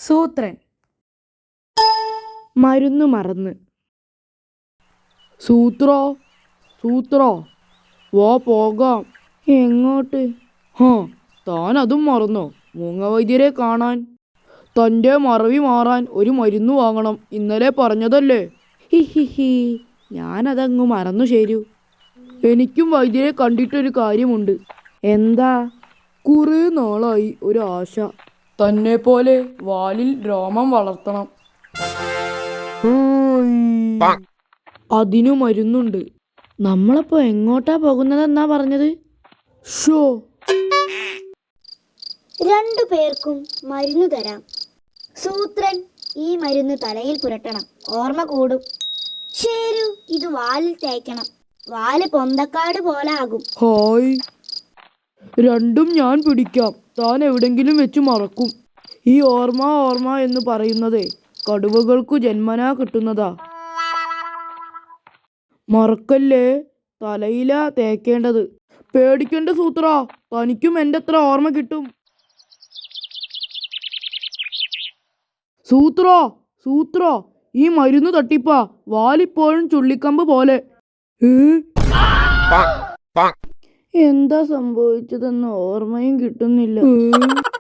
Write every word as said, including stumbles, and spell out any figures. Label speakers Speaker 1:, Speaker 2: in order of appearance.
Speaker 1: സൂത്രൻ. മരുന്ന് മറന്ന്. സൂത്രോ സൂത്രോ വാ പോകാം. എങ്ങോട്ട്? ഹാ, താൻ അതും മറന്നോ? മൂങ്ങവൈദ്യരെ കാണാൻ. തൻ്റെ മറവി മാറാൻ ഒരു മരുന്ന് വാങ്ങണം. ഇന്നലെ പറഞ്ഞതല്ലേ? ഹിഹിഹി, ഞാനതങ്ങ് മറന്നു ശരു. എനിക്കും വൈദ്യരെ കണ്ടിട്ടൊരു കാര്യമുണ്ട്. എന്താ? കുറേ നാളായി ഒരു ആശ. തന്നെ പോലെ വാലിൽ രോമം വളർത്തണം. അതിനു മരുന്നുണ്ട്. നമ്മളപ്പോ എങ്ങോട്ടാ പോകുന്നതെന്നാ പറഞ്ഞത്? ഷോ,
Speaker 2: രണ്ടു പേർക്കും മരുന്ന് തരാം. സൂത്രൻ, ഈ മരുന്ന് തലയിൽ പുരട്ടണം, ഓർമ്മ കൂടും. ശരു, ഇത് വാലിൽ തേക്കണം, വാല് പൊന്തക്കാട് പോലെ ആകും.
Speaker 1: ഹായ്, രണ്ടും ഞാൻ പിടിക്കാം. താൻ എവിടെങ്കിലും വെച്ച് മറക്കും. ഈ ഓർമ്മ ഓർമ്മ എന്ന് പറയുന്നതേ കടുവകൾക്കു ജന്മനാ കിട്ടുന്നതാ. മറക്കല്ലേ, തലയിലാ തേക്കേണ്ടത്. പേടിക്കണ്ട സൂത്ര, തനിക്കും എൻ്റെ അത്ര ഓർമ്മ കിട്ടും. സൂത്രോ സൂത്രോ ഈ മരുന്ന് തട്ടിപ്പാ. വാലിപ്പോഴും ചുള്ളിക്കമ്പ് പോലെ. എന്താ സംഭവിച്ചതെന്ന് ഓർമ്മയും കിട്ടുന്നില്ല.